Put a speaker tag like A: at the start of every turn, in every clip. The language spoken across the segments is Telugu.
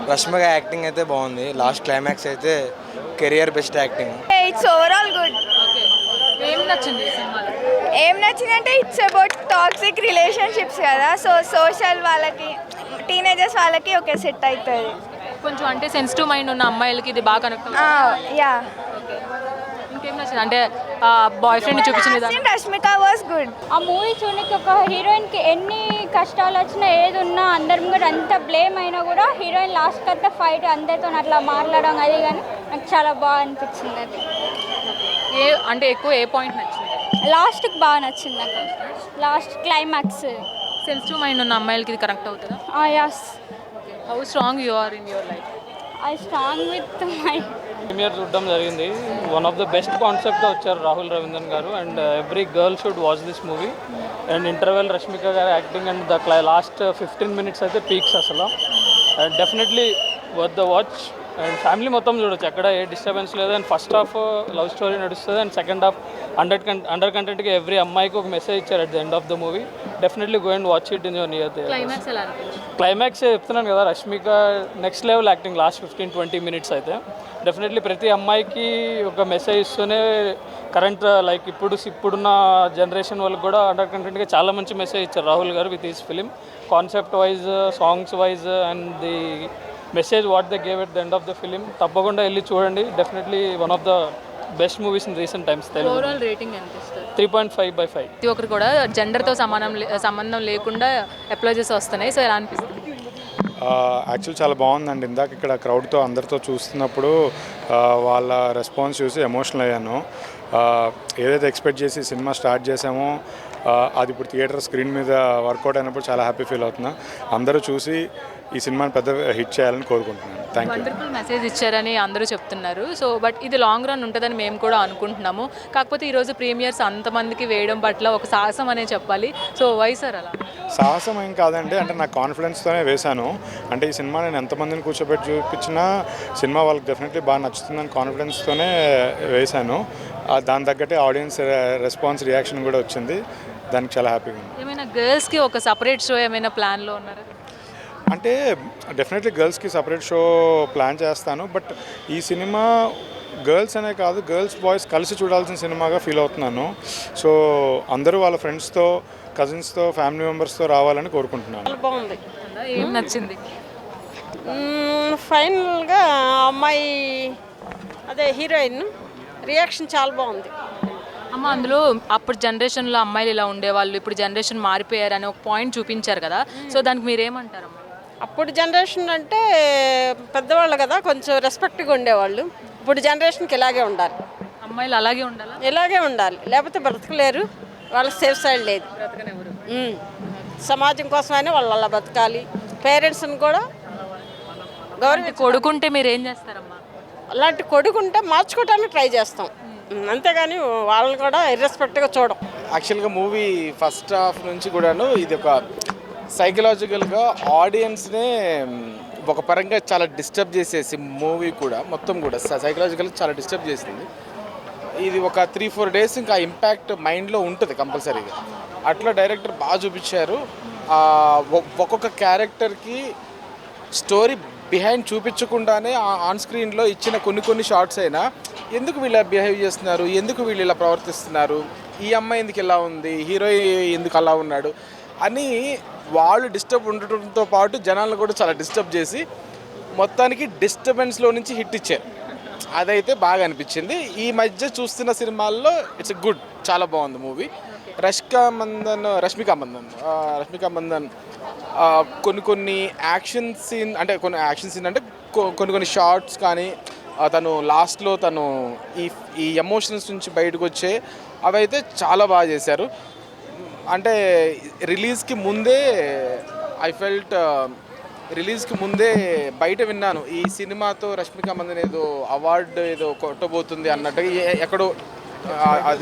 A: రష్మిక యాక్టింగ్ అయితే బాగుంది. లాస్ట్ క్లైమాక్స్ అయితే career best acting.
B: It's overall good.
C: ఏం నచ్చింది ఈ సినిమాలో?
B: ఏం నచ్చిందంటే ఇట్స్ అబౌట్ టాక్సిక్ రిలేషన్షిప్స్ కదా. సో సోషల్ వాళ్ళకి, టీనేజర్స్ వాళ్ళకి ఓకే సెట్ అవుతుంది.
C: కొంచెం అంటే సెన్సిటివ్ మైండ్ ఉన్న అమ్మాయిలకి ఇది బాగా కనెక్ట్ అవుతుంది.
B: యా.
C: ఇంకేం నచ్చింది అంటే బాయ్ ఫ్రెండ్ చూపించిన విధానం.
B: Rashmika was good.
D: ఆ మూవీ చూడడానికి ఒక హీరోయిన్కి ఎన్ని కష్టాలు వచ్చినా ఏది ఉన్నా అందరి కూడా అంత బ్లేమ్ అయినా కూడా హీరోయిన్ లాస్ట్కి అంతా ఫైట్ అందరితో అట్లా మాట్లాడడం అది కానీ నాకు చాలా బాగా అనిపించింది. అది
C: అంటే ఎక్కువ ఏ పాయింట్ నచ్చింది?
D: లాస్ట్కి బాగా నచ్చింది నాకు. Last climax.
C: సెన్సిటివ్ మైండ్ ఉన్న అమ్మాయిలకి ఇది కనెక్ట్ అవుతుందా?
D: Yes.
C: How strong you are in your life?
D: I strong with my
E: premiere చూడడం జరిగింది. వన్ ఆఫ్ ద బెస్ట్ కాన్సెప్ట్తో వచ్చారు Rahul Ravindran garu. And every girl should watch this movie. And interval Rashmika garu acting and the last 15 minutes అయితే పీక్స్ అసలు. And definitely worth the watch. And family మొత్తం చూడొచ్చు, ఎక్కడ ఏ డిస్టర్బెన్స్ లేదు. And first half love story నడుస్తుంది. అండ్ సెకండ్ హాఫ్ అండర్ కంటెంట్కి ఎవ్రీ అమ్మాయికి ఒక మెసేజ్ ఇచ్చారు at the end of the movie. Definitely go and watch it in your near theatre.
C: Climax ఎలా అనిపించింది?
E: క్లైమాక్స్ చెప్తున్నాను కదా, Rashmika next level acting last 15-20 minutes అయితే. డెఫినెట్లీ ప్రతి అమ్మాయికి ఒక మెసేజ్ ఇస్తూనే కరెంట్ లైక్ ఇప్పుడున్న జనరేషన్ వాళ్ళకి కూడా అండర్ కంటెంట్గా చాలా మంచి మెసేజ్ ఇచ్చారు Rahul garu with his film. Concept wise, songs wise and the message what they gave at the end of the film. తప్పకుండా వెళ్ళి చూడండి. Definitely one of the best movies in recent times.
C: Overall rating ఎంత ఇస్తారు?
E: 3.5/5.
C: ప్రతి ఒక్కరు కూడా జెండర్తో సంబంధం లేకుండా అప్లై చేసి వస్తున్నాయి. సో ఎలా అనిపిస్తుంది?
F: యాక్చువల్ చాలా బాగుందండి. ఇందాక ఇక్కడ క్రౌడ్తో అందరితో చూస్తున్నప్పుడు వాళ్ళ రెస్పాన్స్ చూసి ఎమోషనల్ అయ్యాను. ఏదైతే ఎక్స్పెక్ట్ చేసి సినిమా స్టార్ట్ చేసామో అది ఇప్పుడు థియేటర్ స్క్రీన్ మీద వర్కౌట్ అయినప్పుడు చాలా హ్యాపీ ఫీల్ అవుతున్నా. అందరూ చూసి ఈ సినిమాని పెద్ద హిట్ చేయాలని కోరుకుంటున్నాను. Thank you.
C: వండర్ఫుల్ మెసేజ్ ఇచ్చారని అందరూ చెప్తున్నారు. సో బట్ ఇది లాంగ్ రన్ ఉంటుందని మేము కూడా అనుకుంటున్నాము. కాకపోతే ఈరోజు ప్రీమియర్స్ అంతమందికి వేయడం పట్ల ఒక సాహసం అనే చెప్పాలి. సో వై సార్ అలా?
F: సాహసం ఏం కాదండి, అంటే నా కాన్ఫిడెన్స్తోనే వేశాను. అంటే ఈ సినిమా నేను ఎంతమందిని కూర్చోబెట్టి చూపించినా సినిమా వాళ్ళకి డెఫినెట్లీ బాగా నచ్చుతుందని కాన్ఫిడెన్స్తోనే వేశాను. దాని తగ్గట్టే ఆడియన్స్ రెస్పాన్స్, రియాక్షన్ కూడా వచ్చింది. దానికి చాలా హ్యాపీగా ఉంది.
C: ఏమైనా గర్ల్స్కి ఒక సపరేట్ షో ఏమైనా ప్లాన్లో ఉన్నారా?
F: అంటే డెఫినెట్లీ గర్ల్స్కి సపరేట్ షో ప్లాన్ చేస్తాను. బట్ ఈ సినిమా గర్ల్స్ అనే కాదు, గర్ల్స్ బాయ్స్ కలిసి చూడాల్సిన సినిమాగా ఫీల్ అవుతున్నాను. సో అందరూ వాళ్ళ ఫ్రెండ్స్తో, కజిన్స్తో, ఫ్యామిలీ మెంబర్స్తో రావాలని కోరుకుంటున్నాను.
G: బాగుంది.
C: ఏం నచ్చింది?
G: ఫైనల్గా అమ్మాయి అదే హీరోయిన్ రియాక్షన్ చాలా బాగుంది.
C: అమ్మ, అందులో అప్పుడు జనరేషన్లో అమ్మాయిలు ఇలా ఉండేవాళ్ళు, ఇప్పుడు జనరేషన్ మారిపోయారని ఒక పాయింట్ చూపించారు కదా. సో దానికి మీరేమంటారమ్మా?
G: అప్పుడు జనరేషన్ అంటే పెద్దవాళ్ళు కదా, కొంచెం రెస్పెక్ట్గా ఉండేవాళ్ళు. ఇప్పుడు జనరేషన్కి ఇలాగే ఉండాలి.
C: అమ్మాయిలు అలాగే ఉండాలా?
G: ఇలాగే ఉండాలి, లేకపోతే బ్రతకలేరు. వాళ్ళకి సేఫ్ సైడ్ లేదు. సమాజం కోసమైనా వాళ్ళు అలా బతకాలి. పేరెంట్స్ని కూడా
C: కొడుకుంటే మీరు ఏం చేస్తారమ్మా?
G: అలాంటి కొడుకుంటే మార్చుకోవడానికి ట్రై చేస్తాం. అంతేగాని వాళ్ళని కూడా ఇర్రెస్పెక్ట్గా చూడం.
A: యాక్చువల్గా మూవీ ఫస్ట్ హాఫ్ నుంచి కూడాను ఇది ఒక సైకలాజికల్గా ఆడియన్స్నే ఒక పరంగా చాలా డిస్టర్బ్ చేసేసి మూవీ కూడా మొత్తం కూడా సైకలాజికల్గా చాలా డిస్టర్బ్ చేసింది. ఇది ఒక 3-4 days ఇంకా ఇంపాక్ట్ మైండ్లో ఉంటుంది కంపల్సరీగా. అట్లా డైరెక్టర్ బాగా చూపించారు. ఒక్కొక్క క్యారెక్టర్కి స్టోరీ బిహైండ్ చూపించకుండానే ఆన్ స్క్రీన్లో ఇచ్చిన కొన్ని షార్ట్స్ అయినా ఎందుకు వీళ్ళు బిహేవ్ చేస్తున్నారు, ఎందుకు వీళ్ళు ఇలా ప్రవర్తిస్తున్నారు, ఈ అమ్మాయి ఎందుకు ఇలా ఉంది, హీరో ఎందుకు అలా ఉన్నాడు అని వాళ్ళు డిస్టర్బ్ ఉండటంతో పాటు జనాలను కూడా చాలా డిస్టర్బ్ చేసి మొత్తానికి డిస్టర్బెన్స్లో నుంచి హిట్ ఇచ్చారు. అదైతే బాగా అనిపించింది. ఈ మధ్య చూస్తున్న సినిమాల్లో ఇట్స్ గుడ్, చాలా బాగుంది మూవీ. రష్మిక మందన్ కొన్ని యాక్షన్ సీన్ అంటే కొన్ని షార్ట్స్ కానీ తను లాస్ట్లో తను ఈ ఎమోషన్స్ నుంచి బయటకు వచ్చే అవైతే చాలా బాగా చేశారు. అంటే రిలీజ్కి ముందే బయట విన్నాను, ఈ సినిమాతో రష్మిక మందన్ ఏదో అవార్డు ఏదో కొట్టబోతుంది అన్నట్టుగా ఎక్కడో అది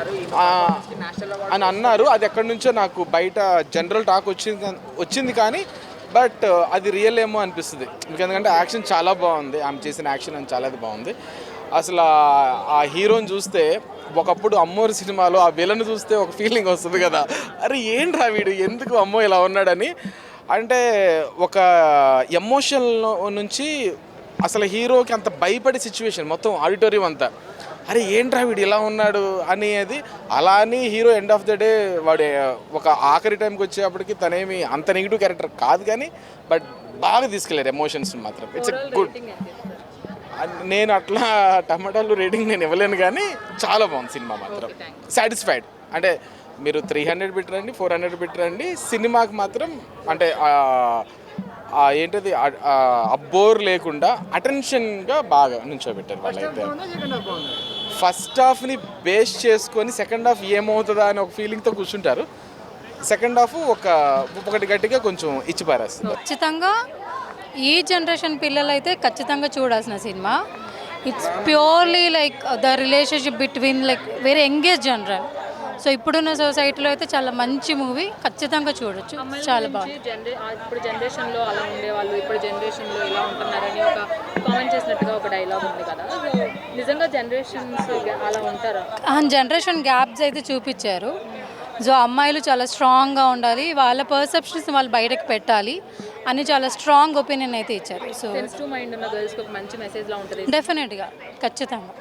A: అని అన్నారు. అది ఎక్కడి నుంచో నాకు బయట జనరల్ టాక్ వచ్చింది కానీ బట్ అది రియల్ ఏమో అనిపిస్తుంది. ఎందుకంటే యాక్షన్ చాలా బాగుంది, ఆమె చేసిన యాక్షన్ అని చాలా బాగుంది. అసలు ఆ హీరోని చూస్తే ఒకప్పుడు అమ్మోరు సినిమాలో ఆ విలన్ చూస్తే ఒక ఫీలింగ్ వస్తుంది కదా, అరే ఏంట్రా వీడు ఎందుకు అమ్మో ఇలా ఉన్నాడని. అంటే ఒక ఎమోషన్ నుంచి అసలు హీరోకి అంత భయపడే సిచ్యువేషన్ మొత్తం ఆడిటోరియం అంతా, అరే ఏంట్రా వీడు ఇలా ఉన్నాడు అనేది. అలా అని hero end of the day వాడు ఒక ఆఖరి టైంకి వచ్చేప్పటికి తనేమి అంత నెగిటివ్ క్యారెక్టర్ కాదు, కానీ బట్ బాగా తీసుకెళ్ళారు ఎమోషన్స్ మాత్రం. It's a good. నేను అట్లా టమాటాలు రేటింగ్ నేను ఇవ్వలేను, కానీ చాలా బాగుంది సినిమా మాత్రం. సాటిస్ఫైడ్. అంటే మీరు 300 పెట్టరండి, 400 పెట్టరండి, సినిమాకి మాత్రం అంటే ఏంటది అబ్బోర్ లేకుండా అటెన్షన్గా బాగా నుంచోబెట్టారు వాళ్ళైతే. ఫస్ట్ హాఫ్ని బేస్ చేసుకొని సెకండ్ హాఫ్ ఏమవుతుందా అని ఒక ఫీలింగ్తో కూర్చుంటారు. సెకండ్ హాఫ్ ఒకటి గట్టిగా కొంచెం ఇచ్చిపారేస్తుంది.
H: ఖచ్చితంగా ఈ జనరేషన్ పిల్లలు అయితే ఖచ్చితంగా చూడాల్సిన సినిమా. It's purely like the relationship between like very engage general. So ఇప్పుడున్న సొసైటీలో అయితే చాలా మంచి మూవీ, ఖచ్చితంగా చూడొచ్చు. చాలా బాగుంది.
C: ఇప్పుడు జనరేషన్లో అలా ఉండేవాళ్ళు ఇప్పుడు జనరేషన్లో ఇలా ఉంటున్నారని ఒక కామెంట్ చేసినట్టుగా ఒక డైలాగ్ ఉంది కదా. సో నిజంగా జనరేషన్స్ అలా ఉంటారా?
H: జనరేషన్ గ్యాప్స్ అయితే చూపించారు. సో అమ్మాయిలు చాలా స్ట్రాంగ్గా ఉండాలి, వాళ్ళ పర్సెప్షన్స్ వాళ్ళు బయటకు పెట్టాలి అని చాలా స్ట్రాంగ్ ఒపీనియన్ అయితే ఇచ్చారు. సో
C: సెన్సిటివ్ మైండ్ ఉన్న గర్ల్స్కి ఒక మంచి మెసేజ్లా ఉంటుంది.
H: డెఫినెట్గా ఖచ్చితంగా.